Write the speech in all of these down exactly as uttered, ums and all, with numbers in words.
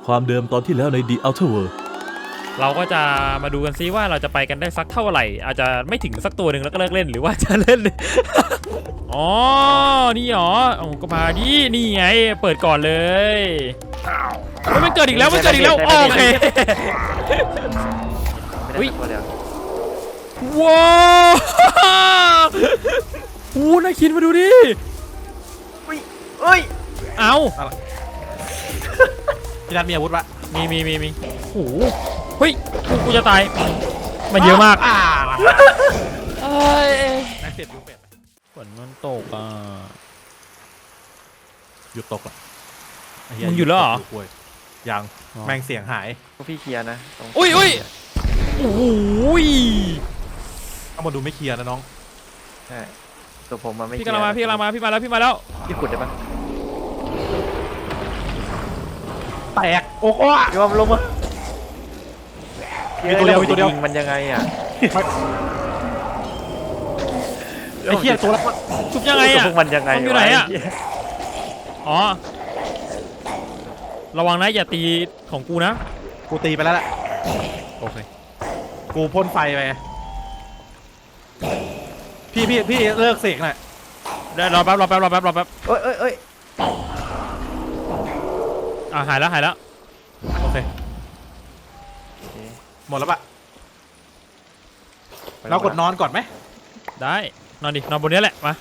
ความเดิมตอนที่แล้วใน The Outer World เราก็จะมาดูกันซิว่าเราจะไปกันได้สักเท่าไหร่อาจจะไม่ถึงสักตัวหนึ่งแล้วก็เลิกเล่นหรือว่าจะเล่น อ๋อนี่หรอโอ้ก็มาดินี่ไงเปิดก่อนเลยมันเกิดอีกแล้วมันเกิดอีกแล้วโอเคอุ้ยว้าวโอ้น่าคิดมาดูดิอุ้ยเอ้ยเอาพี่นัทมีอาวุธปะมีมีมีมีโอ้เฮ้ยกูจะตายมันเยอะมากเอ้ยนักเสพยูเป็ดฝนมันตกอ่ะหยุดตกอ่ะมึงหยุดแล้วเหรอยังแมงเสียงหายพวกพี่เคลียร์นะอุ้ยอุ้ยโอ้ยเอามาดูไม่เคลียร์นะน้องใช่ตัวผมมาไม่พี่กำลังมาพี่กำลังมาพี่มาแล้วพี่มาแล้วพี่ขุดได้ปะแตกโอ้โหยอมลงมามีตัวเดียวมีตัวเดียวมันยังไงอ่ะไอ้เหี้ยตัวละชุบยังไงอ่ะพวกมันยังไงอยู่ไหนอ่ะอ๋อระวังนะอย่าตีของกูนะกูตีไปแล้วแหละโอเคกูพ่นไฟไปพี่พี่พี่เลิกเสกหน่อยได้รอแป๊บรอแป๊บรอแป๊บรอแป๊บเอ้ยเอ้ยเอ้ยอ่าหายแล้วหายแล้วโอเคหมดแล้วปะเรากดนอนก่อนไหมได้นอนดินอนบนนี้แหละมา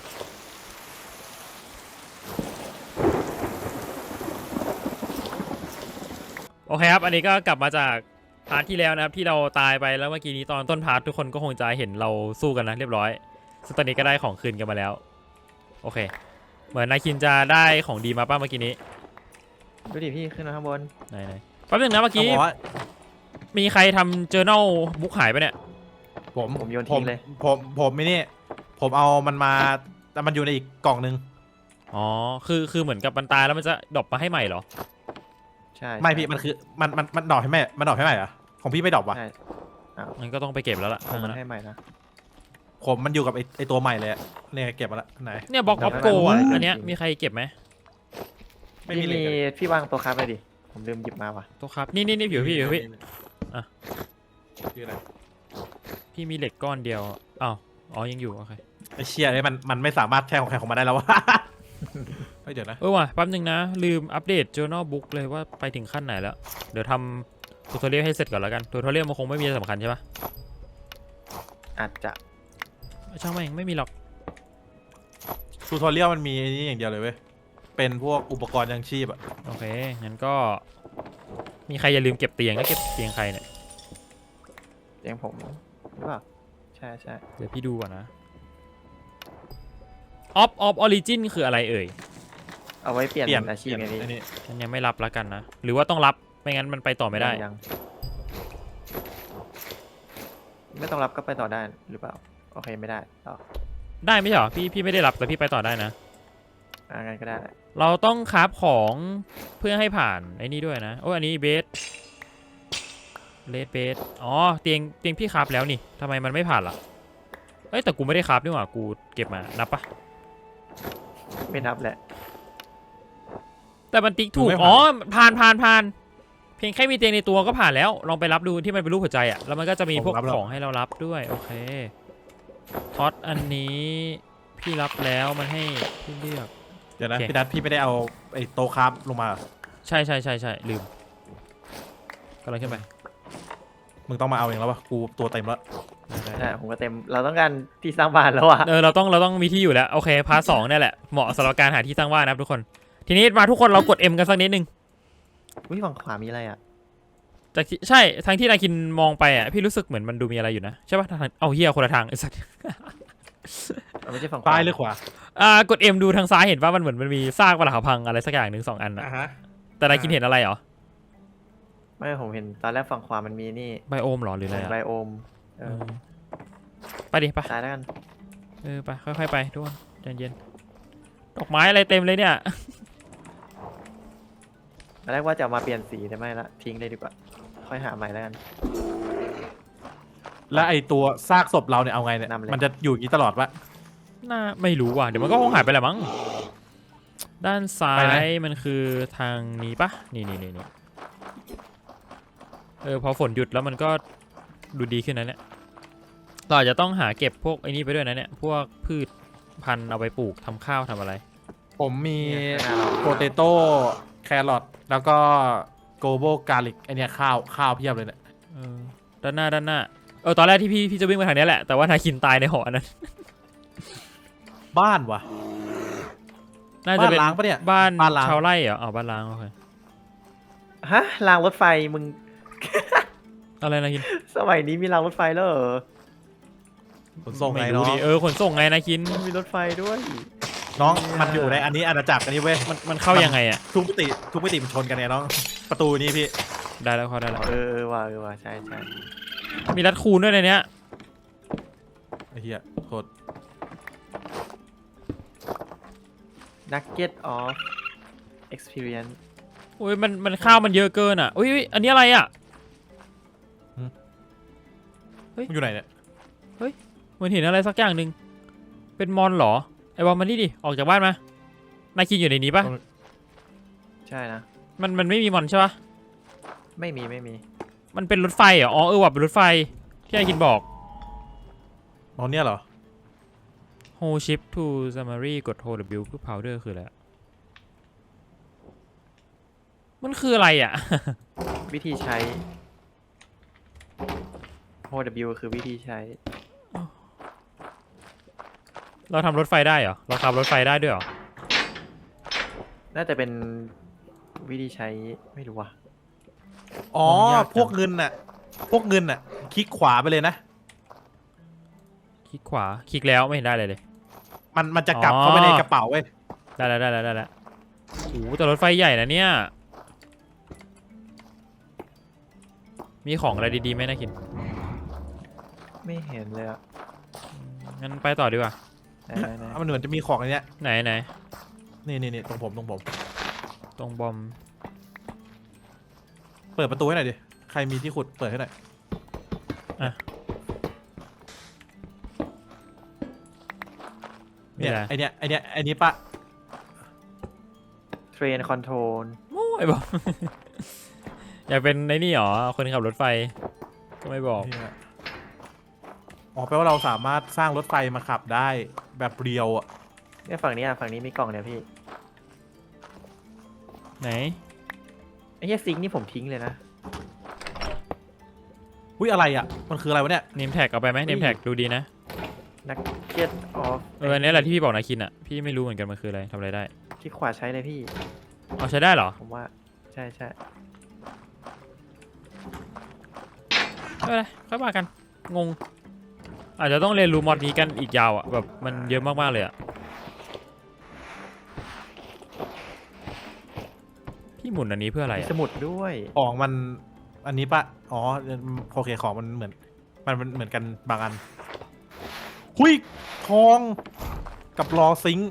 โอเคครับอันนี้ก็กลับมาจากพาร์ทที่แล้วนะครับที่เราตายไปแล้วเมื่อกี้นี้ตอนต้นพาร์ททุกคนก็คงจะเห็นเราสู้กันนะเรียบร้อยซึ่งตอนนี้ก็ได้ของคืนกันมาแล้วโอเคเหมือนนายคินจะได้ของดีมาป้าเมื่อกี้นี้ดูดิพี่ขึ้นมาข้างบนไหนไหนแป๊บนึงนะเมื่อกี้มีใครทำ journal บุ๊กหายไปเนี่ยผมผมโยนทิ้งเลยผมผมไม่นี่ผมเอามันมาแต่มันอยู่ในอีกกล่องนึงอ๋อคือคือเหมือนกับมันตายแล้วมันจะดรอปมาให้ใหม่เหรอใช่ไม่พี่มันคือมันมันมันดรอปให้ใหม่มันดรอปให้ใหม่เหรอของพี่ไม่ดรอปวะมันก็ต้องไปเก็บแล้วล่ะมันให้ใหม่นะผมมันอยู่กับไอไอตัวใหม่เลยเนี่ยเก็บมาละไหนเนี่ยบล็อกออฟโกอันเนี้ยมีใครเก็บไหมไม่มีพี่วางตัวคราฟไปดิผมลืมหยิบมาว่ะตัวคราฟนี่นี่นี่ผิวพี่ผิวพี่อ่ะคืออะไรพี่มีเหล็กก้อนเดียวอ้าวอ๋อยังอยู่โอเคไอเชี่ยไอมันมันไม่สามารถแทนของใครของมันได้แล้ววะเฮ้ยเดี๋ยวนะเออว่ะแป๊บนึงนะลืมอัปเดต journal book เลยว่าไปถึงขั้นไหนแล้วเดี๋ยวทำทูทอเรียลให้เสร็จก่อนแล้วกันทูทอเรียลมันคงไม่มีสำคัญใช่ปะอาจจะช่างแม่งไม่มีหรอกทูทอเรียลมันมีนี่อย่างเดียวเลยเว้ยเป็นพวกอุปกรณ์ยังชีพอะโอเคงั้นก็มีใครอย่าลืมเก็บเตียงก็เก็บเตียงใครเนี่ยเตียงผมหรือเปล่าใช่ใช่เดี๋ยวพี่ดูก่อนนะออฟออฟออริจินคืออะไรเอ่ยเอาไว้เปลี่ยนอาชีพไงพี่ฉันยังไม่รับแล้วกันนะหรือว่าต้องรับไม่งั้นมันไปต่อไม่ได้ยังไม่ต้องรับก็ไปต่อได้หรือเปล่าโอเคไม่ได้ต่อได้ไม่ใช่หรอพี่พี่ไม่ได้รับแต่พี่ไปต่อได้นะอ่างั้นก็ได้เราต้องคราฟของเพื่อให้ผ่านไอ้นี่ด้วยนะโอ้อันนี้เบสเลดเบสอ๋อเตียงเตียงพี่คราฟแล้วนี่ทำไมมันไม่ผ่านล่ะเอ้ยแต่กูไม่ได้คราฟนี่หว่ากูเก็บมานับปะไม่นับแหละแต่มันติ๊กถูกอ๋อผ่านผ่านผ่านเพียงแค่มีเตียงในตัวก็ผ่านแล้วลองไปรับดูที่มันเป็นรูปหัวใจอ่ะแล้วมันก็จะมีพวกของให้เรารับด้วยโอเคท็อตอันนี้พี่รับแล้วมันให้พี่เลือกเดี๋ยวนะพี่นัทพี่ไม่ได้เอาไอ้โต๊ะคราฟลงมาใช่ใช่ใช่ใช่ลืมกำลังขึ้นไปมึงต้องมาเอาเองแล้ววะกูตัวเต็มแล้วใช่ผมก็เต็มเราต้องการที่สร้างบ้านแล้วอ่ะเออเราต้องเราต้องมีที่อยู่แล้วโอเคพาร์ทสองนี่แหละเหมาะสำหรับการหาที่สร้างบ้านนะครับทุกคนทีนี้มาทุกคนเรากด M กันสักนิดนึงอุ้ยฝั่งขวามีอะไรอ่ะจากใช่ทางที่นายคินมองไปอ่ะพี่รู้สึกเหมือนมันดูมีอะไรอยู่นะใช่ป่ะทางเอาเฮียคนละทางไอ้สัสไม่ใช่ฝั่งซ้ายหรือขวาอ่ากด M ดูทางซ้ายเห็นว่ามันเหมือนมันมีซากปรักหักพังอะไรสักอย่างหนึ่งสองอันนะแต่นายคินเห็นอะไรเหรอไม่ผมเห็นตอนแรกฝั่งขวามันมีนี่ไบโอมหรอหรืออะไรไบโอมไปดิไปตายแล้วกันเออไปค่อยๆไปทุกคนใจเย็นดอกไม้อะไรเต็มเลยเนี่ยตอนแรกว่าจะมาเปลี่ยนสีแต่ไม่ละทิ้งเลยดีกว่าค่อยหาใหม่แล้วกันแล้วไอตัวซากศพเราเนี่ยเอาไงเนี่ยมันจะอยู่อย่างนี้ตลอดปะน่าไม่รู้ว่ะเดี๋ยวมันก็คงหายไปแหละมั้งด้านซ้ายมันคือทางนี้ปะนี่นี่นี่นี่เออพอฝนหยุดแล้วมันก็ดูดีขึ้นนะเนี่ยเราอาจจะต้องหาเก็บพวกไอ้นี่ไปด้วยนะเนี่ยพวกพืชพันธุ์เอาไปปลูกทำข้าวทำอะไรผมมีเนี่ยข้างหน้าเราโปเตโต้แครอทแล้วก็โกโบกาลิกไอเนี้ยข้าวข้าวเพียบเลยเนี่ยเออด้านหน้าด้านหน้าเออตอนแรกที่พี่พี่จะวิ่งมาทางนี้แหละแต่ว่านาคินตายในหอนั้นบ้านวะน่าจะเป็นบ้านล้างปะเนี่ยบ้านบ้านล้างชาวไร่เหรออ๋อบ้านล้างโอเคฮะรางรถไฟมึงอะไรนาคินสมัยนี้มีรางรถไฟแล้วเหรอขนส่งไงไม่น้รู้องดิเออขนส่งไงนาคินมีรถไฟด้วยน้องมันอยู่ในอันนี้อาณาจักรอันนี้เว้ยมันมันเข้ายังไงอ่ะทุกมิติทุกมิติมันชนกันเนี่ยน้องประตูนี้พี่ได้แล้วเขาได้แล้วเออเออว่ะเออว่ะใช่ใช่มีรัดคูณด้วยในเนี้ยไอ้เหี้ยโคตรนักเก็ตออฟ experience โอ้ยมันมันข้าวมันเยอะเกินอ่ะอุ้ยอุ๊ยอันนี้อะไรอ่ะมันอยู่ไหนเนี่ยเหมือนเห็นอะไรสักอย่างหนึ่งเป็นมอนเหรอไอ้บอลมานี่ดิออกจากบ้านมานายคินอยู่ในนี้ปะใช่นะมันมันไม่มีมอนใช่ปะไม่มีไม่มีมันเป็นรถไฟเหรออ๋อเออว่ะเป็นรถไฟที่นายคินบอกอ๋อเนี่ยเหรอ hold shift to summary กด hold W เพื่อ powder คืออะไรอะมันคืออะไรอ่ะวิธีใช้ โอ ดับเบิลยู คือวิธีใช้เราทำรถไฟได้เหรอเราขับรถไฟได้ด้วยเหรอน่าจะเป็นวิธีใช้ไม่รู้ว่ะอ๋อมันยากจังพวกเงินน่ะพวกเงินน่ะคลิกขวาไปเลยนะคลิกขวาคลิกแล้วไม่เห็นได้เลยเลยมันมันจะกลับอ๋อเข้าไปในกระเป๋าเว้ยได้แล้วได้แล้วได้แล้วโอ้โหแต่รถไฟใหญ่นะเนี่ยมีของอะไรดีๆไหมนะคินไม่เห็นเลยอะงั้นไปต่อดีกว่าไหนไหนไหนมันเหมือนจะมีของอันเนี้ยไหนไหนนี่นี่นี่ตรงผมตรงผมตรงบอมเปิดประตูให้หน่อยดิใครมีที่ขุดเปิดให้หน่อยอ่ะเนี่ยมีอะไรไอเนี้ยไอเนี้ยไอนี้ปะเทรนคอนโทรลโอ้ยบอก อยากเป็นในนี่หรอคนขับรถไฟก็ไม่บอกเนี่ยอ๋อแปลว่าเราสามารถสร้างรถไฟมาขับได้แบบเรียวอ่ะเนี่ยฝั่งนี้อ่ะฝั่งนี้มีกล่องเนี่ยพี่ไหนไอ้เหี้ยซิงค์นี่ผมทิ้งเลยนะอุ้ยอะไรอ่ะมันคืออะไรวะเนี่ยเนมแท็กเอาไปไหมเนมแท็กดูดีนะนักเก็ตออฟเอออันนี้แหละที่พี่บอกนาคินอ่ะพี่ไม่รู้เหมือนกันมันคืออะไรทำอะไรได้ที่ขวาใช้เลยพี่เอาใช้ได้เหรอผมว่าใช่ใช่ไม่เป็นไรค่อยมากันงง อาจจะต้องเรียนรู้มอดนี้กันอีกยาวอ่ะแบบมันเยอะมากๆเลยอ่ะพี่หมุนอันนี้เพื่ออะไรมีอ่ะสมุดด้วยของมันอันนี้ปะอ๋อโอเคของมันเหมือนมันมันเหมือนกันบางอันหุยทองกับรอซิงค์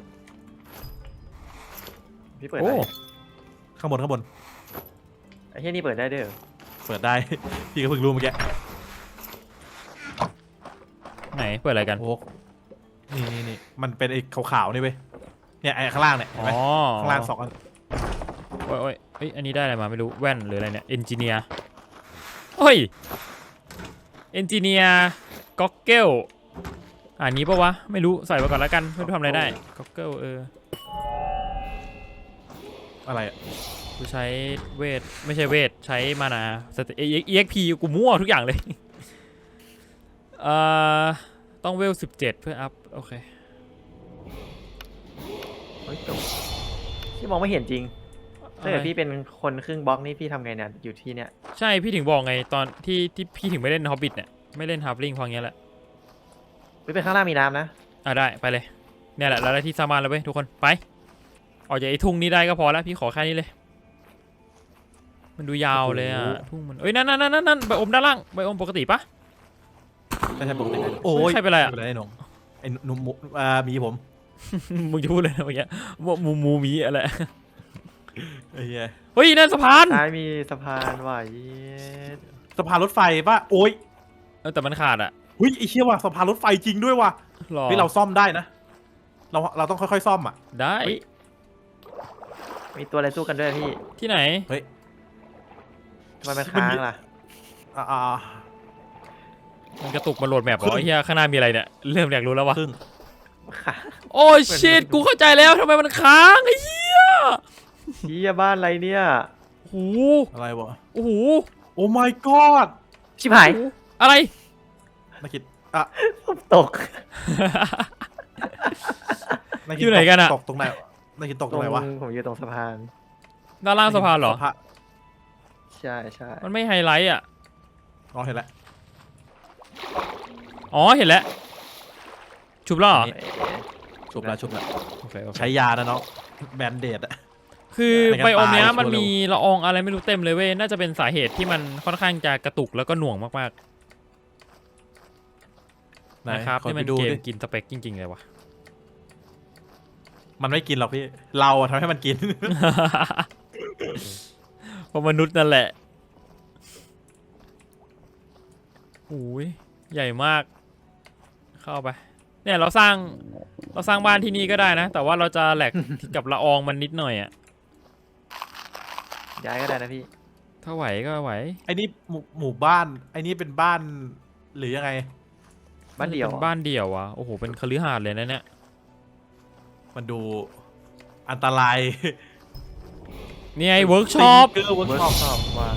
พี่เปิดโอ้ได้ข้างบนข้างบนไอ้เหี้ยนี่เปิดได้เด้อเปิดได้ พี่ก็เพิ่งรู้เมื่อกี้ไหนเปิดอะไรกันโอ้นี่นี่นี่มันเป็นไอ้ขาวๆนี่เว้ยเนี่ยไอ้ข้างล่างเนี่ยเห็นอ๋ไหมอข้างล่างสองอันโอ้ยโอ้ยเอ้ยอันนี้ได้อะไรมาไม่รู้แว่นหรืออะไรเนี่ยเอนจิเนียร์โอ้ยเอนจิเนียร์ก็อกเกลอันนี้ปะวะไม่รู้ใส่ไปก่อนแล้วกันไม่รู้ทำอะไรได้ก็อกเกลเอออะไรอะกูใช้เวทไม่ใช่เวทใช้มานาสเตเอ็กพีกูมั่วทุกอย่างเลย เอ่อต้องเวลสิบเจ็ดเพื่ออัพโอเคเฮ้ยจบพี่มองไม่เห็นจริงถ้าเกิดอะไรพี่เป็นคนครึ่งบล็อกนี่พี่ทำไงเนี่ยอยู่ที่เนี่ยใช่พี่ถึงบอกไงตอนที่ที่พี่ถึงไม่เล่นฮอบบิทเนี่ยไม่เล่นฮาร์ฟลิงพออย่างเงี้ยแหละพี่เป็นข้างล่างมีน้ำนะอ่ะได้ไปเลยเนี่ยแหละแล้วได้ที่สร้างบ้านแล้วเว้ยทุกคนไปออกจากไอ้ทุ่งนี้ได้ก็พอแล้วพี่ขอแค่นี้เลย มันดูยาวเลยอ่ะทุ่งมันเอ้ยนั่นนั่นนั่นนั่นใบอมด้านล่างใบอมปกติปะไม่ใช่ปกติโอ้ยใครเป็นไรอะไม่เป็นไรไอ้หนงไอ้หนุ่มหมูอ่ามีผมมึงจะพูดเลยนะเมื่อกี้ว่ามูมูมีอะไรไอ้เหี้ยเฮ้ยนั่นสะพานซ้ายมีสะพานว่ะเย็ดสะพานรถไฟปะโอ้ยเออแต่มันขาดอ่ะหุ้ยไอ้เชี่ยว่ะสะพานรถไฟจริงด้วยว่ะหรอเฮ้ยเราซ่อมได้นะ เราเราต้องค่อยๆซ่อมอ่ะได้มีตัวอะไรสู้กันด้วยพี่ที่ไหนเฮ้ยทำไมมันค้างล่ะอ่าอ่ามันกระตุกมาโหลดแมปเหรอไอ้เฮียข้างหน้ามีอะไรเนี่ยเริ่มอยากรู้แล้ววะครึ่งค่ะโอ้ชิตกูเข้าใจแล้วทำไมมันค้างไอ้เหี้ยเฮียบ้านอะไรเนี่ยโอ้โหอะไรวะโอ้โหโอ้ my god ชิบหายอะไรนักคิดอ่ะตกนักอยู่ไหนกันอะตกตรงไหนนักคิดตกตตรรง งไหนวะผมอยู่ตรงสะพานด้านล่างสะพานเหรอสะพานใช่ใช่มันไม่ไฮไลท์อ่ะอ๋อเห็นแล้วอ๋อเห็นแล้วชุบแล้วเหรอนี่ ชุบแล้วชุบแล้วโอเคโอเคใช้ยานะเนาะแบนเดดอะคือในการไบโอมเนี้ยตายมันชัวร์มีละอองอะไรไม่รู้เต็มเลยเว้ยน่าจะเป็นสาเหตุที่มันค่อนข้างจะกระตุกแล้วก็หน่วงมากไหนๆนะครับขอนี่ไปมันดูเกมดิกินสเปคจริงๆเลยวะมันไม่กินหรอกพี่ เราอะทำให้มันกินเพราะมนุษย์นั่นแหละโอ้ยใหญ่มาก เข้าไป เนี่ยเราสร้างเราสร้างบ้านที่นี่ก็ได้นะ แต่ว่าเราจะแหลก กับละอองมันนิดหน่อยอะย้ายก็ได้นะพี่ถ้าไหวก็ไหวไอ้นี่หมู่หมู่บ้าน ไอ้นี่เป็นบ้านหรือยังไงบ้านเดี่ยวเป็นบ้านเดี่ยวอะโอ้โหเป็นคฤหาสน์เลยนะเนี่ยมันดูอันตรายนี่ไงเวิร์กช็อปเกอร์เวิร์กเวิร์ช็อปกช็อปว่า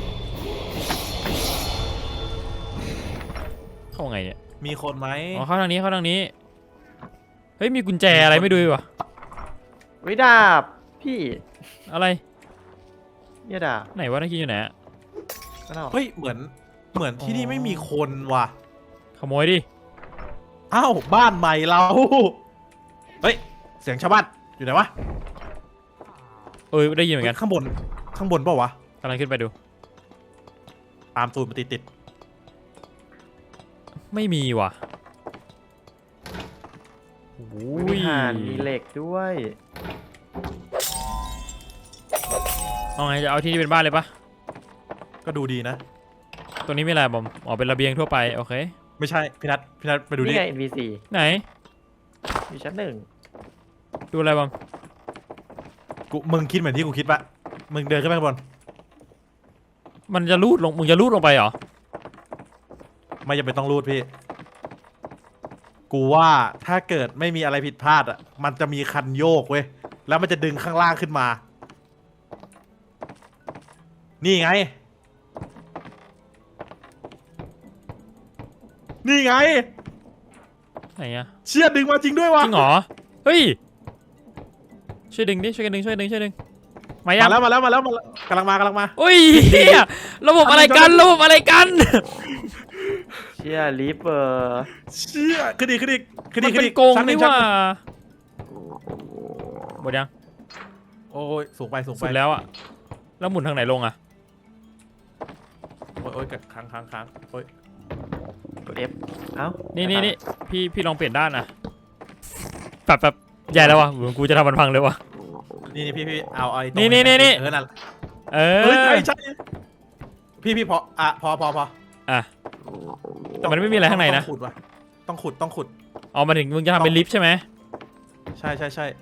เข้าไงเนี่ยมีคนไหมอ๋อเข้าทางนี้เข้าทางนี้เฮ้ยมีกุญแจอะไรไม่ดูวะวิดาบพี่อะไรเนี่ยดาบไหนวะนักกินอยู่ไหนอะก็เอาเฮ้ยเหมือนเหมือนที่นี่อ๋อไม่มีคนว่ะขโมยดิอ้าวบ้านใหม่เรา เฮ้ยเสียงชาวบ้านอยู่ไหนวะเออได้ยินเหมือนกันข้างบนข้างบนเปล่าวะกำลังขึ้นไปดูตามตูดมาติดติดไม่มีว่ะโอ้มียห่านมีเหล็กด้วยเอาไงจะเอาที่นี่เป็นบ้านเลยปะๆก็ดูดีนะตัวนี้ไม่อะไรบอมอ๋อเป็นระเบียงทั่วไปโอเคไม่ใช่พี่นัทพี่นัทไปดูดินี่ไง เอ็น พี ซีไหนอยู่ชั้นหนึ่งดูอะไรบอมกูมึงคิดเหมือนที่กูคิดปะมึงเดินขึ้นไปข้างบนมันจะลูดลงมึงจะลูดลงไปเหรอไม่จำเป็นต้องรูดพี่ กูว่าถ้าเกิดไม่มีอะไรผิดพลาดอ่ะมันจะมีคันโยกเว้ยแล้วมันจะดึงข้างล่างขึ้นมา นี่ไง นี่ไงไหนอะเชี่ยดึงมาจริงด้วยวะจริงเหรอเฮ้ยช่วยดึงดิช่วยกันดึงช่วยดึงช่วยดึงมายัมาง แล้วมาแล้วมาแล้วมาแล้วกำลังมากำลังมาโอ้ยเหี้ยระบบอะไรกันระบบอะไรกันเชียร์ลิฟเวอร์เชี่ยขึ้นอีกขึ้นอีกขึ้นมัอีนกขึ้เป็น นอีกโกงชั้นหนี่งชั้ว่าหนึ่งหมดยังโอ้ยสูงไปสูงไปสุดแล้วอะแล้วหมุนทางไหนลงอะโอ้ยโอ้ยค้างค้างค้างโอ้ยกด F เอ้านี่นี่นี่นี่พี่พี่ลองเปลี่ยนด้านอะแบบแบบใหญ่แล้ววะเหมือนกูจะทำมันพังเลยวะนี่นี่พี่พี่เอาไอ้ตรงนี่นี่นี่นี่เออนั่นเอเอออใช่ใช่พี่พี่พออ่ะพอพอพออ่ะ แต่มันไม่มีอะไรข้างในนะต้องขุดว่ะต้องขุดต้องขุดเอามาถึงมึงจะทำเป็นลิฟต์ใช่ไหมใช่ใช่ใช่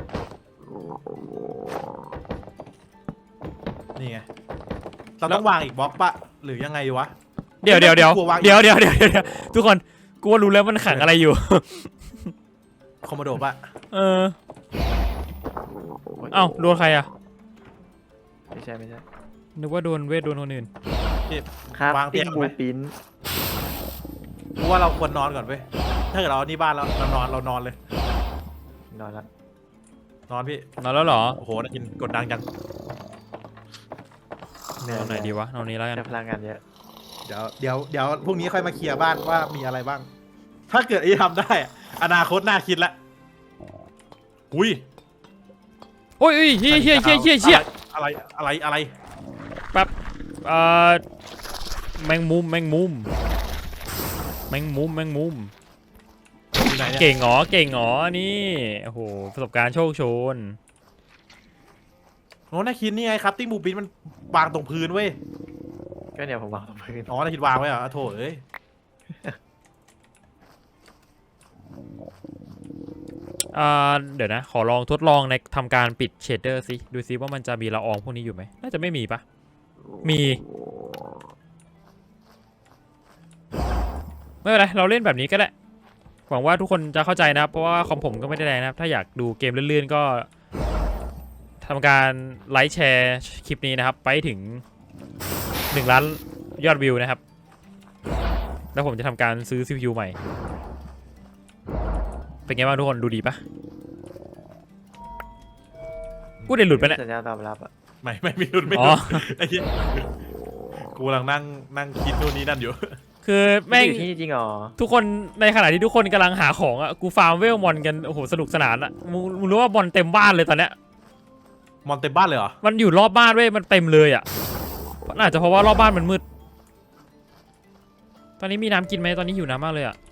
นี่ไงเราต้องวางอีกบล็อกปะหรือยังไงวะเดี๋ยวเดี๋ยวเดี๋ยวกลัววางเดี๋ยวเดี๋ยวเดี๋ยวเดี๋ยวทุกคนกูว่ารู้แล้วมันขังอะไรอยู่คอมโมโดปะเออเอ้าโดนใครอะไม่ใช่ไม่ใช่นึกว่าโดนเวทโดนคนอื่นพี่ครับวางเตีติ้ยงงบูไหมปินกูว่าเราควรนอนก่อนเว้ยถ้าเกิดเราเอานี่บ้านแล้วเรานอนเรานอนเลยนอนละนอนพี่นอนแล้วเหรอโอ้โหได้ยินกดดังจังเหนื่อยเอาไหนดีวะเอานี้แล้วกันแต่พลังงานเยอะเดี๋ยวเดี๋ยวเดี๋ยวพรุ่งนี้ค่อยมาเคลียร์บ้านว่ามีอะไรบ้าง ถ้าเกิดไอ้ทำได้อะอนาคตน่าคิดละอุ้ยโอ้ยเฮ้ยเฮียเฮียเฮียเฮียเฮียอะไรอะไรอะไรแป๊บเอ่อแมงมุมแมงมุมแมงมุมแมงมุมอยู่ไหนเนี่ยเก่งเหรอเก่งเหรอนี่โอ้โหประสบการณ์โชคโชนโอ้น่าคิดนี่ไงครับติ้งบูปินมันวางตรงพื้นเว้ยก็เนี่ยผมวางตรงพื้นอ๋อน่าคิดวางไว้เหรออ่ะโถเอ้ยอ่าเดี๋ยวนะ ขอลองทดลองในทำการปิดเชดเดอร์สิดูซิว่ามันจะมีละอองพวกนี้อยู่ไหมน่าจะไม่มีปะมีไม่เป็นไรเราเล่นแบบนี้ก็ได้หวังว่าทุกคนจะเข้าใจนะครับเพราะว่าคอมผมก็ไม่ได้แรงนะครับถ้าอยากดูเกมลื่นๆก็ทำการไลค์แชร์คลิปนี้นะครับไปถึงหนึ่งล้านยอดวิวนะครับแล้วผมจะทำการซื้อ ซี พี ยู ใหม่เป็นไงบ้างทุกคนดูดีปะกูเด่นหลุดไปเนี่ยสัญญาณตอบรับอ่ะไม่ไม่ไม่หลุดไม่หอ๋ลุอดไอ้เหี้ยกูกำลังนั่งนั่งคิดนู่นนี่นั่นอยู่คือแม่งอยู่ที่นี่จริงเหรอทุกคนในขณะที่ทุกคนกำลังหาของอ่ะกูฟาร์มเวลมอนกันโอ้โหสนุกสนานอ่ะมึงมึงรู้ว่าบอลเต็มบ้านเลยตอนเนี้ยมอนเต็มบ้านเลยเหรอมันอยู่รอบบ้านเว้ยมันเต็มเลยอ่ะน่าจะเพราะว่ารอบบ้านมันมืดตอนนี้มีน้ำกินไหมตอนนี้หิวน้ำมากเลยอ่ะ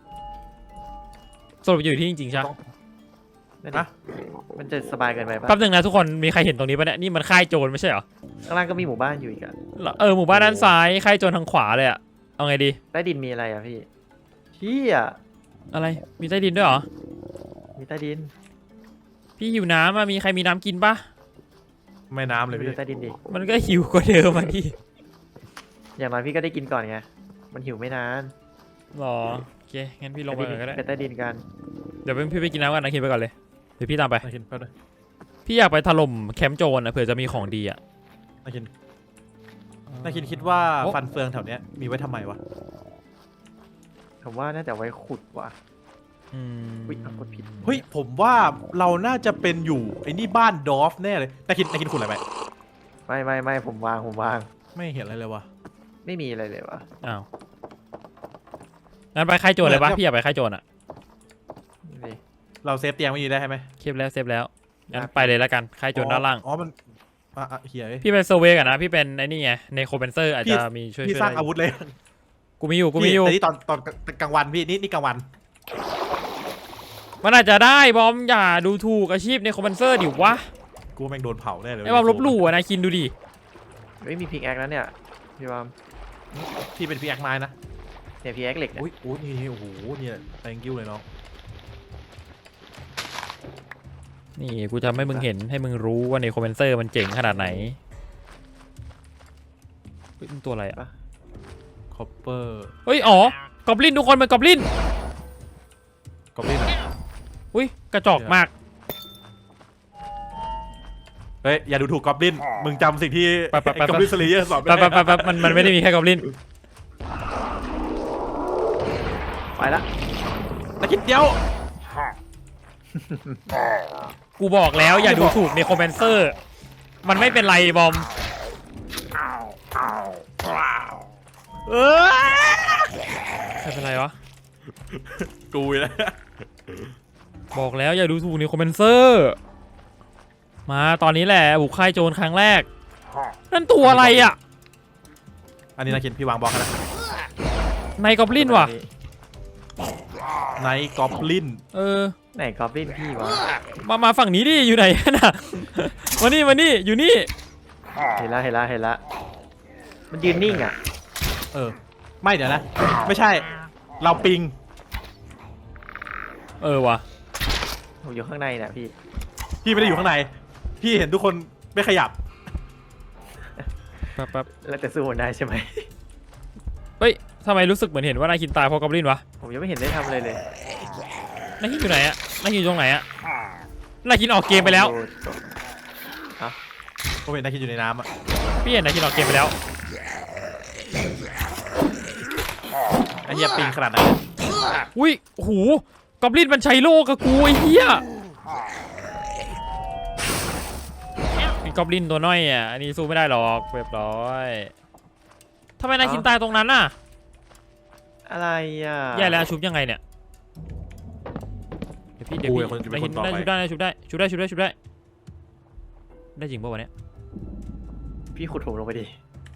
สรุปอยู่ที่จริงๆใช่ไหมนั่นดิมันจะสบายเกินไปปะแป๊บนึงนะทุกคนมีใครเห็นตรงนี้ปะเนี่ยนี่มันค่ายโจรไม่ใช่เหรอข้างล่างก็มีหมู่บ้านอยู่อีกอะเออหมู่บ้านด้านซ้ายค่ายโจรทางขวาเลยอ่ะเอาไงดีใต้ดินมีอะไรอะพี่พี่อะอะไรมีใต้ดินด้วยเหรอมีใต้ดินพี่หิวน้ำอ่ะมีใครมีน้ำกินปะไม่น้ำเลยไปพี่ดูใต้ดินดิมันก็หิวกว่าเดิมอ่ะพี่อย่างน้อยพี่ก็ได้กินก่อนไงมันหิวไม่นานหรอโอเคงั้นพี่ลงไปก่อนก็ได้ไปใต้ดินกันเดี๋ยวพี่ไปกินน้ำกันนะคิดไปก่อนเลยเดี๋ยวพี่ตามไปนาคินแป๊บนึงพี่อยากไปถล่มแคมป์โจรนะเผื่อจะมีของดีอ่ะนาคินนาคินคิดว่าโอ๊ะฟันเฟืองแถวเนี้ยมีไว้ทำไมวะผมว่าน่าจะไว้ขุดว่ะอืมอุ๊ยเอากดผิดเฮ้ยผมว่าเราน่าจะเป็นอยู่ไอ้นี่บ้านดอฟแน่เลยนาคินนาคินขุดอะไรไปไม่ไม่ไม่ผมวางผมวางไม่เห็นอะไรเลยวะไม่มีอะไรเลยวะอ้าวงั้นไปค่ายโจรเลยปะเหมือนกับพี่อยากไปค่ายโจรอ่ะนี่ดิเราเซฟเตียงไว้อยู่ได้ใช่ไหมเซฟแล้วเซฟแล้วงั้นครับไปเลยแล้วกันค่ายโจรด้านล่างอ๋อมันอ่ะอ่ะเฮียเอ้ยพี่เป็นเซอร์เวย์กันนะพี่เป็นไอ้นี่ไงในโคเบนเซอร์อาจพี่จะมีช่วยพี่ช่วยสร้างได้อาวุธเลยกูมีอยู่กูมีอยู่แต่นี่ตอนตอนกลางวันพี่นี่นี่กลางวันมันอาจจะได้บอมอย่าดูถูกอาชีพในโคเบนเซอร์ดิวะกูแม่งโดนเผาแน่เลยไอ้บอมลบหลู่อะนะคินดูดิเฮ้ยมีพิกแอคแล้วเนี่ยพี่บอมพี่เป็นพี่แอคไม้นะเนี่ยพิกแอคเหล็กเนี่ยอุ้ยโอ้นี่โอ้โหเนี่ย thank you เลยน้องนี่กูจะให้มึงเห็นให้มึงรู้ว่าในโคเบนเซอร์มันเจ๋งขนาดไหนเฮ้ยมันตัวอะไรอะคอปเปอร์เฮ้ยอ๋อกอบลินทุกคนเป็นกอบลินกอบลินอะอุ้ยกระจอกมากเฮ้ยอย่าดูถูกกอบลินมึงจำสิ่งที่ไปไปไปกอบลินสลีเยอร์สอนแป๊บแป๊บแป๊บแป๊บมันมันไม่ได้มีแค่กอบลินไปละนาคินเดียวกูบอกแล้วอย่าดูถูกในโคเบนเซอร์มันไม่เป็นไรบอมเออไม่เป็นไรวะกูนะบอกแล้วอย่าดูถูกในโคเบนเซอร์มาตอนนี้แหละบุกค่ายโจรครั้งแรกนั่นตัวอะไรอ่ะอันนี้นาคินพี่วางบล็อกให้นะในกอบลินว่ะไนกอบลินเออไหนกอบลินพี่วะมามาฝั่งนี้ดิอยู่ไหนน่ะมานี่มานี่อยู่นี่เห็นละเห็นละเห็นละมันยืนนิ่งอ่ะเออไม่เดี๋ยวนะ ไม่ใช่เราปิงเออว่ะผมอยู่ข้างในเนี่ยพี่พี่ไม่ได้อยู่ข้างใน พี่เห็นทุกคนไม่ขยับแป๊บแป๊บแล้วแต่สู้มันได้ใช่ไหมเฮ้ยทำไมรู้สึกเหมือนเห็นว่านายคินตายเพราะกอบลินวะผมยังไม่เห็นได้ทำอะไรเลยนายคินอยู่ไหนอะนายคินอยู่ตรงไหนอะนายคินออกเกมไปแล้วผมเห็นนาคินอยู่ในน้ำอ่ะพี่เห็นนายคินออกเกมไปแล้วไอ้เหี้ยปิงขนาดนั้นอุ้ยโอ้โหกอบลินมันใช้โลกับกูไอ้เหี้ยไอ้กอบลินตัวน้อยอ่ะอันนี้สู้ไม่ได้หรอกเรียบร้อยทำไมนายคินตายตรงนั้นน่ะอะไรอ่ะแย่แล้วชุบยังไงเนี่ยเดี๋ยวพี่เดี๋ยวกูพี่เป็นคนจะเป็นนายคคินนต่อได้ไปชุบได้ชุบได้ชุบได้ชุบได้ชุบได้ได้จริงป่ะวะเนี่ยพี่ขุดผมลงไปดิ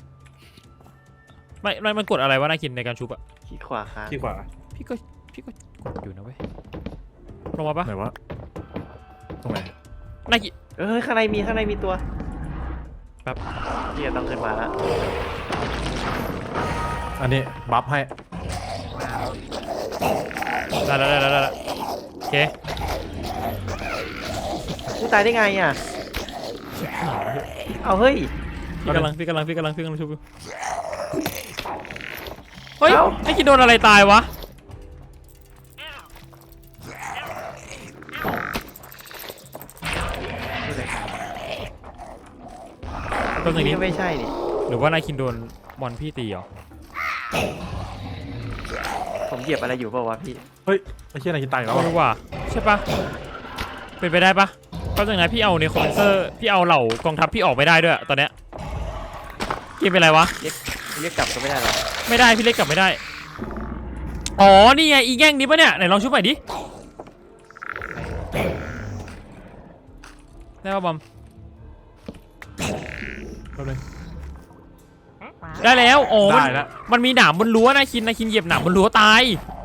ไม่ไม่มันกดอะไรวะนายคินในการชุบอะขี้ขวาค้างที่ขวาพี่ก็พี่ก็กดอยู่นะเว้ยลงมาปะไหนวะตรงไหนนายคินเอ้ยข้างในมีข้างในมีตัวแป๊บพี่จะต้องขึ้นมาละอันนี้บัฟให้ได้แล้วได้แล้วได้แล้วโอเคผู้ตายได้ไงอ่ะ เอาเฮ้ยพี่กำลังพี่กำลังพี่กำลังพี่กำลังชุบอยู่เฮ้ยเอ้าไอ้กินโดนอะไรตายวะตรงนี่นี้ก็ไม่ใช่นี่หรือว่านายคินโดนบอลพี่ตีเหรอผมเหยียบอะไรอยู่เปล่าวะพี่เฮ้ยไอ้เชี่ยอะไรกินตายอีกแล้วไม่วะรู้ว่าใช่ปะเป็นไปได้ปะก็จากนั้นพี่เอาในคอมเพนเซอร์พี่เอาเหล่ากองทัพพี่ออกไม่ได้ด้วยตอนเนี้ยเกมเป็นไรวะเรียกเรียกกลับก็ไม่ได้หรอไม่ได้พี่เล็กกลับไม่ได้อ๋อนี่ไงอีแง่งนี้ปะเนี่ยไหนลองชุบใหม่ดิได้ป่ะบอมแป๊บนึงได้แล้วโอ้มันได้แล้วมันมีหนามบนรั้วนายคินนายคินเหยียบหนามบนรั้วตาย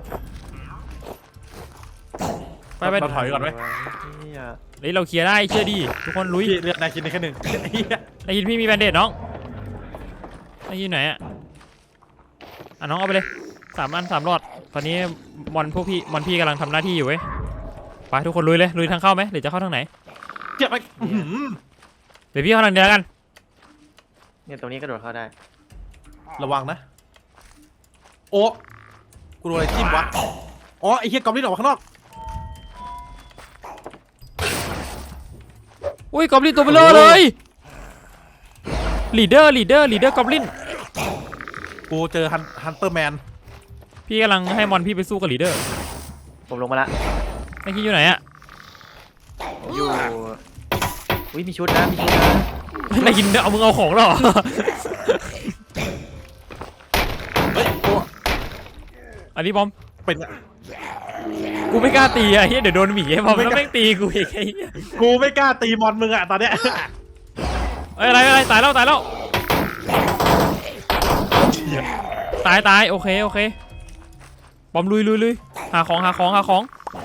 ไปไปเราถอยก่อนไหมนี่อะเฮ้ยเราเคลียร์ได้เชื่อดิทุกคนลุยพี่เลือดนายกินได้แค่หนึ่งเหี้ยนายคินพี่มีแบนเดดน้องนายคินไหนอะอ่ะน้องเอาไปเลยสามอันสามหลอดตอนนี้มอนพวกพี่มอนพี่กำลังทำหน้าที่อยู่เว้ยไปทุกคนลุยเลยลุยทางเข้าไหมหรือจะเข้าทางไหนเจ็บไปอื้อหือเดี๋ยวพี่เข้าทางเดียวกันเนี่ยตรงนี้กระโดดเข้าได้ระวังนะ โอ้กูโดนอะไรจิ้มวะอ๋อไอ้เหี้ยกอมลิ้นออกมาข้างนอกอุ้ยกอบลินตัวเบลอเลยลีดเดอร์ลีดเดอร์ลีดเดอร์กอบลินกูเจอฮันฮันเตอร์แมนพี่กำลังให้มอนพี่ไปสู้กับลีดเดอร์ผมลงมาละนายคินอยู่ไหนอะอยู่อุ้ยมีชุดนะมีชุดนะนายคินเอามึงเอาของเหรอเฮ้ยโอ้อันนี้บอมเป็นกูไม่กล้าตีอะเฮียเดี๋ยวโดนหมีไอ้บอมแล้วแม่งตีกูอีกไอ้เหี้ยกูไม่กล้าตีมอนมึงอะตอนเนี้ยเอ้ยอะไรอะไรตายแล้วตายแล้วตายตายโอเคโอเคบอมลุยลุยลุยหาของหาของหาของ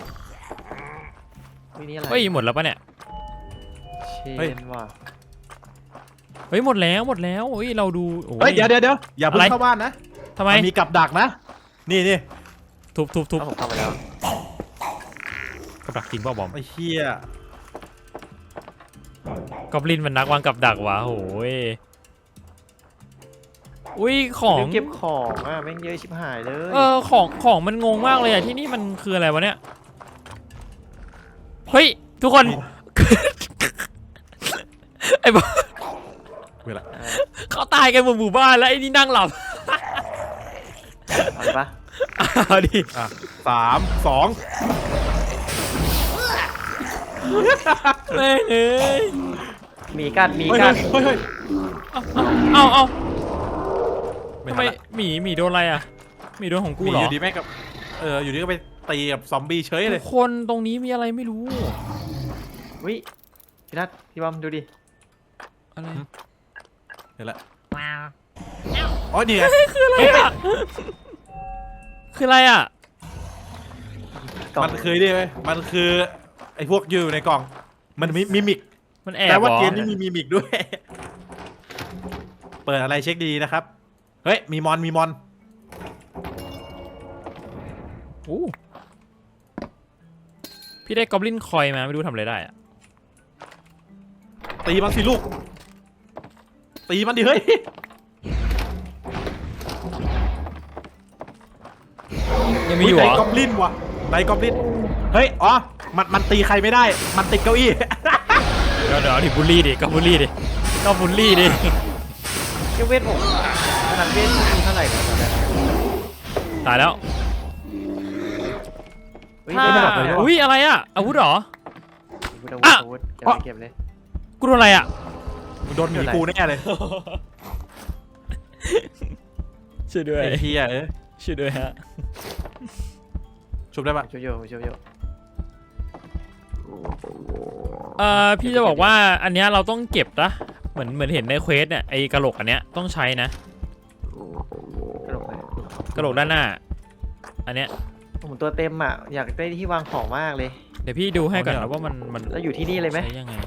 อุ้ยนี่อะไรเฮ้ยหมดแล้วปะเนี่ยเชนว่ะเฮ้ยหมดแล้วหมดแล้วเฮ้ยเราดูโอ้เฮ้ยเดี๋ยวเดี๋ยวเดี๋ยวอย่าเพิ่อะไรงเข้าบ้านนะทำไมมันมีกับดักนะ นี่นี่ทุบทุบทุบถ้าผมเข้าไปแล้วกับดักจริงเปล่าบอมไอ้เหี้ยกอบลินมันนักวางกับดักวะโหยอุ้ยของลืมเก็บของอ่ะแม่งเยอะชิบหายเลยเออของของมันงงมากเลยอะที่นี่มันคืออะไรวะเนี่ยเฮ้ยทุกคน ไอ้บอมเวลาอ่าเขาตายกันหมดหมู่บ้านแล้วไอ้นี่นั่งหลับเอาเลยปะเอาดิอ่ะสามสองแม่งเอ้ยมีกัดมีเฮ้ยกัดเฮ้ยเฮ้ยเอาเอาเอาไม่ทำทัไมนละหมีหมีโดนอะไรอ่ะหมีโดนของกูมีเหรออยู่ดีแม่งกับเอออยู่ดีก็ไปตีกับซอมบี้เฉยเลทุยกคนตรงนี้มีอะไรไม่รู้อุ้ยพี่นัทพี่บอมดูดิอะไรเห็นละอ๋อนี่ไงคืออะไรอ่ะคืออะไรอ่ะกล่องมันคือนี่ไหมมันคือไอ้พวกอยู่ในกล่อง มันมีมิมิกมันแอบแต่ว่าเหรอเกมนี้มีมิมิกด้วย เปิดอะไรเช็คดีๆนะครับ เฮ้ยมีมอนมีมอนอู้พี่ได้กอบลินคอยมาไม่รู้ทำอะไรได้อ่ะตีมันสิลูก ตีมันดิเฮ้ยยังมีอยู่เหรในอกอบลินวะในกอบลินเฮ้ยอ๋อมันมันตีใครไม่ได้ มันติดเก้าอี้เดี๋ยวเดี๋ยวดิบูลลี่ดิก็บูลลี่ดิก็บูลลี่ดิเก็บเวทผมขนาดเวทมีเท่าไหร่นะตอนนี้ตายแล้วอุ้ยถ้าเวทหมดเลยอุ้ยอะไรอ่ะอาวุธเหรออาวุธอาวุธอ่ะอาวุธเก็บเลยเก็บเลยกูโดนอะไรอ่ะโดนหมีกูแน่เลยช่วยด้วยไอ้เฮียเอ้ยช่วยด้วยฮะชุบได้ปะช่วยโยช่วยโยเอ่อพี่จะบอกว่าอันเนี้ยเราต้องเก็บนะเหมือนเหมือนเห็นในเควสเนี่ยไอ้กระโหลกอันเนี้ยต้องใช้นะกระโดดเลยกระโหลกด้านหน้า อันเนี้ยผมตัวเต็มอ่ะอยากได้ที่วางของมากเลยเดี๋ยวพี่ดูให้ก่อนนะว่ามันมันแล้วอยู่ที่นี่เลยไหมใช้ยังไง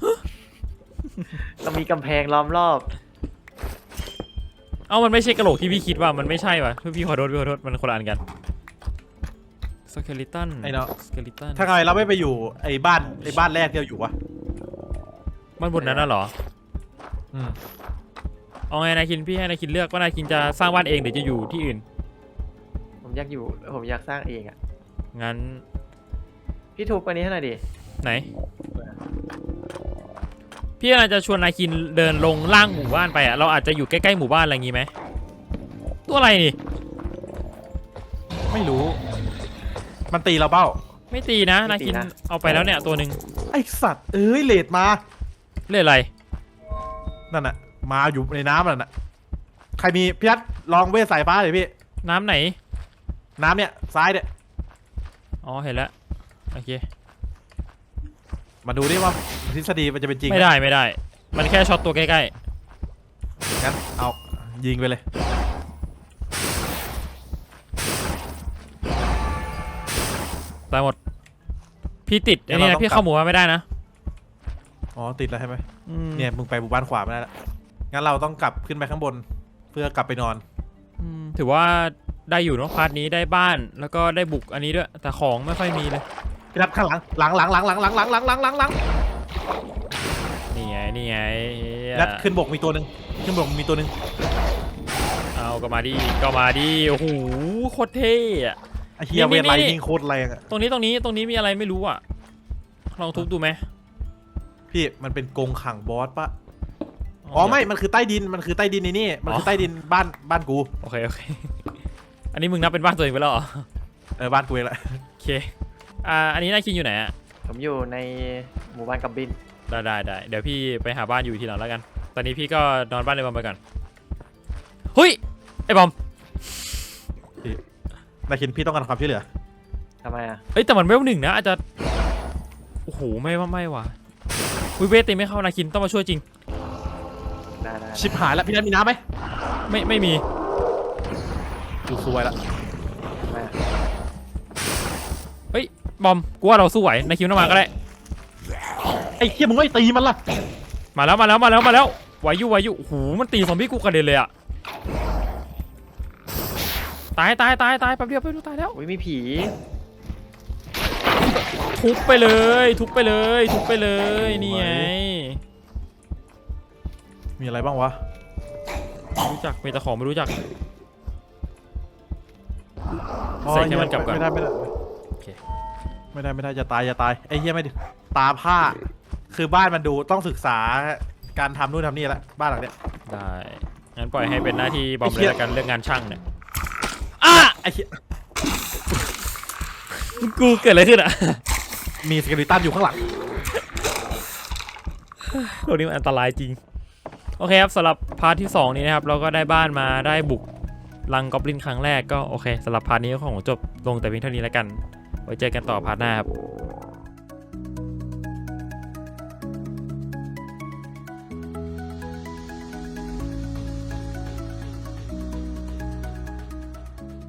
เรามีกำแพงล้อมรอบเอ้ามันไม่ใช่กระโหลกที่พี่คิดว่ามันไม่ใช่ว่ะพี่ขอโทษพี่ขอโทษมันคนละอันกันสเกลิตันไอ้เนาะสเกลิตันถ้าไงเราไม่ไปอยู่ไอ้บ้านไอ้บ้านแรกที่เราอยู่วะมันบนนั้นน่ะเหรออืมเอาไงนายคินพี่ให้นายคินเลือกว่านายคินจะสร้างบ้านเองหรือจะอยู่ที่อื่นผมอยากอยู่ผมอยากสร้างเองอ่ะงั้นพี่ทุบอันนี้ให้หน่อยดิไหน พี่อาจจะชวนนายคินเดินลงล่างหมู่บ้านไปอ่ะเราอาจจะอยู่ใกล้ๆหมู่บ้านอะไรงี้ไหมตัวอะไรนี่ไม่รู้ มันตีเราเบ้าไม่ตีนะนายคินเอาไปแล้วเนี่ยตัวหนึ่งไอสัตว์เอ้ยเลดมาเล่นอะไรนั่นน่ะมาอยู่ในน้ำนั่นน่ะใครมีพี่ยัดลองเวทสายฟ้าเลยพี่น้ำไหนน้ำเนี่ยซ้ายเนี่ยอ๋อเห็นแล้วโอเคมาดูดิว่าทฤษฎีมันจะเป็นจริงหไม่ได้ไม่ได้ มันแค่ช็อตตัวใกล้งั้นเอายิงไปเลยๆตายหมดพี่ติดอันนี้นะพี่เข้าหมู่บ้านไม่ได้นะอ๋อติดแล้วใช่ไหมอืมเนี่ยมึงไปหมู่บ้านขวาไม่ได้ละงั้นเราต้องกลับขึ้นไปข้างบน เพื่อกลับไปนอนอืมถือว่าได้อยู่เนาะพาร์ทนี้ได้บ้านแล้วก็ได้บุกอันนี้ด้วยแต่ของไม่ค่อยมีเลยพี่นัดข้างหลังหลังหลังหลังหลังหลังหลังหลังหลังหลังหลังนี่ไงนี่ไงเหี้ยนัดขึ้นบกมีตัวหนึ่งขึ้นบกมีตัวหนึ่งเอาก็มาดิก็มาดิโอ้โหโคตรเท่อะไอเฮียนี่เวทไลนี่นิ่งโคตรแรงอะตรงนี้ตรงนี้ตรงนี้มีอะไรไม่รู้อ่ะลองทุบดูไหมพี่มันเป็นกรงขังบอสปะอ๋อไม่มันคือใต้ดินมันคือใต้ดินในนี่มันคือใต้ดินบ้านบ้านกูโอเคโอเค อันนี้มึงนับเป็นบ้านตัวเองไปแล้วเหรอเออบ้านกูเองแหละโอเคอ่าอันนี้นายคินอยู่ไหนอะผมอยู่ในหมู่บ้านกับบินได้ได้ได้เดี๋ยวพี่ไปหาบ้านอยู่ทีหลังแล้วกัน ตอนนี้พี่ก็นอนบ้านในบอมไปก่อนเฮ้ยไอ้บอมนายคินพี่ต้องการความช่วยเหลือทำไมอ่ะเอ้ยแต่มันเวลหนึ่งนะอาจจะโอ้โหไม่ว่าไม่ว่ะวิเวทตีไม่เข้านาคินต้องมาช่วยจริงได้ได้ชิบหายแล้วพี่นัทมีน้ำไหมไม่ไม่มีกูซวยละทำไมอ่ะเฮ้ยบอมกูว่าเราสู้ไหวนาคินต้องมาก็ได้ไอ้เฮียมึงไม่ตีมันล่ะมาแล้วมาแล้วมาแล้วมาแล้วไหวอยู่ไหวอยู่โอ้โหมันตีซอมบี้กูกระเด็นเลยอะตายตายตายตายแป๊บเดียวแป๊บเดียวตายแล้วอุ้ยมีผีทุบไปเลยทุบไปเลยทุบไปเลยนี่ไงมีอะไรบ้างวะไม่รู้จักมีแต่ของไม่รู้จักอ๋อใส่ให้มันกลับก่อนไม่ได้ไม่ได้โอเคไม่ได้ไม่ได้จะตายจะตายไอ้เฮียไม่ดิตาผ้า คือบ้านมันดูต้องศึกษาการทำนู่นทำนี่ละบ้านหลังเนี้ยได้งั้นปล่อยให้เป็นหน้าที่บอมไอ้เลเหี้ยยละกันเรื่องงานช่างเนี่ยอ่ะไอ้เฮียกูเกิดอะไรขึ้นอะมีสเกลิตันอยู่ข้างหลังโลกนี้มันอันตรายจริงโอเคครับสำหรับพาร์ทที่สองนี้นะครับเราก็ได้บ้านมาได้บุกรังกอบลินครั้งแรกก็โอเคสำหรับพาร์ทนี้ก็ของจบลงแต่เพียงเท่านี้แล้วกันไว้เจอกันต่อพาร์ทหน้าครับ